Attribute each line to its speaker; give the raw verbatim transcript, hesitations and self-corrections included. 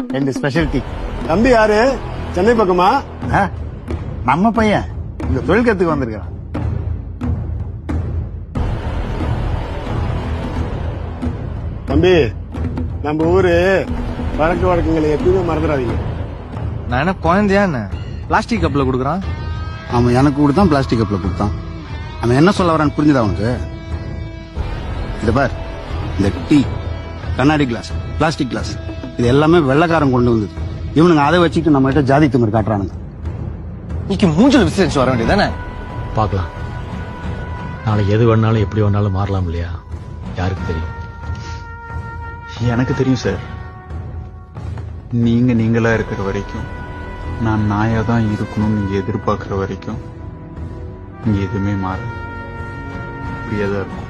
Speaker 1: ரெண்டு special tea.
Speaker 2: தம்பி யாரு? சென்னை பக்கமா?
Speaker 1: ஆ, நம்ம பையன் இந்த தொழில் கத்துக்கு வந்திருக்கான்.
Speaker 2: தம்பி, நம்ம ஊரு வழக்கு வழக்கங்களை எப்பயுமே மறந்துடாதீங்க.
Speaker 3: நான் என்ன குழந்தையா என்ன பிளாஸ்டிக் கப்ல குடுக்கறான்?
Speaker 4: அவன் எனக்கு கொடுத்தான், பிளாஸ்டிக் கப்ல கொடுத்தான். அவன் என்ன சொல்ல வரான்னு புரிஞ்சுதா அவனுக்கு? இத பார், இந்த டீ, கண்ணாடி கிளாஸ், பிளாஸ்டிக் கிளாஸ், இது எல்லாமே வெள்ளைக்காரன் கொண்டு வந்தது. இவனுங்க அதை வச்சுட்டு நம்ம கிட்ட ஜாதி திமிர் காட்டுறானுங்க.
Speaker 3: இன்னைக்கு மூஞ்சல் விசாரிச்சு வர வேண்டியதானே?
Speaker 5: பார்க்கலாம். நாளைக்கு எது வேணாலும் எப்படி வேணாலும் மாறலாம் இல்லையா? யாருக்கு தெரியும்?
Speaker 6: எனக்கு தெரியும் சார். நீங்க நீங்களா இருக்கிற வரைக்கும், நான் நாயா தான் இருக்கணும்னு நீங்க எதிர்பார்க்கிற வரைக்கும் இங்க எதுவுமே மாற இப்படியே தான் இருக்கும்.